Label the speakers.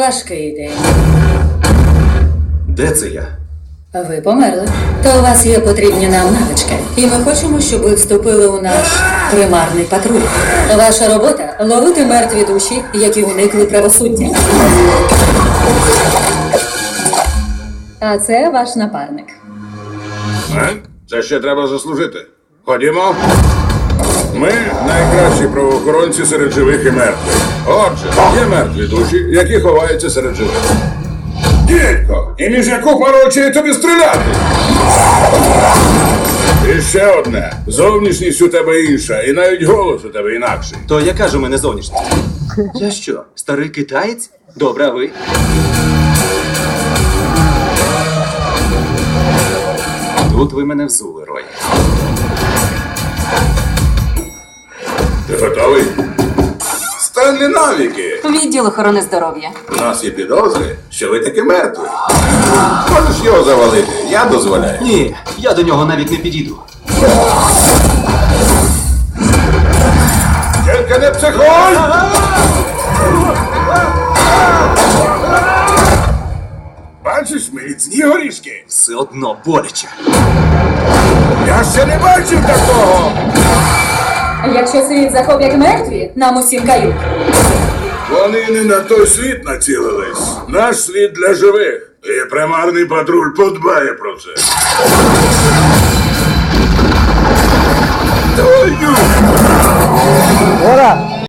Speaker 1: Важкий день.
Speaker 2: Де це я?
Speaker 1: Ви померли. То у вас є потрібні нам навички. І ми хочемо, щоб ви вступили у наш примарний патруль. Ваша робота — ловити мертві душі, які уникли правосуддя. А це ваш напарник.
Speaker 3: Це ще треба заслужити. Ходімо. Ми найкращі правоохоронці серед живих і мертвих. Отже, є мертві душі, які ховаються серед живих. Дідько, і між яку пару очей тобі стріляти? І ще одне. Зовнішність у тебе інша, і навіть голос у тебе інакший.
Speaker 2: То яка ж у мене зовнішність? Я що, старий китаєць? Добре, а ви? Тут ви мене взули, Рой.
Speaker 3: Ти готовий? Стенлі навіки!
Speaker 4: Відділ охорони здоров'я.
Speaker 3: У нас є підозри, що ви таки мертві. Можеш його завалити, я дозволяю.
Speaker 2: Ні, я до нього навіть не підійду.
Speaker 3: Тільки не психуй! Бачиш міцні горішки?
Speaker 2: Все одно боляче.
Speaker 3: Я ще не бачив такого!
Speaker 1: Якщо світ захоплять мертві, нам усім кают.
Speaker 3: Вони не на той світ націлились. Наш світ для живих. І примарний патруль подбає про це. Твою!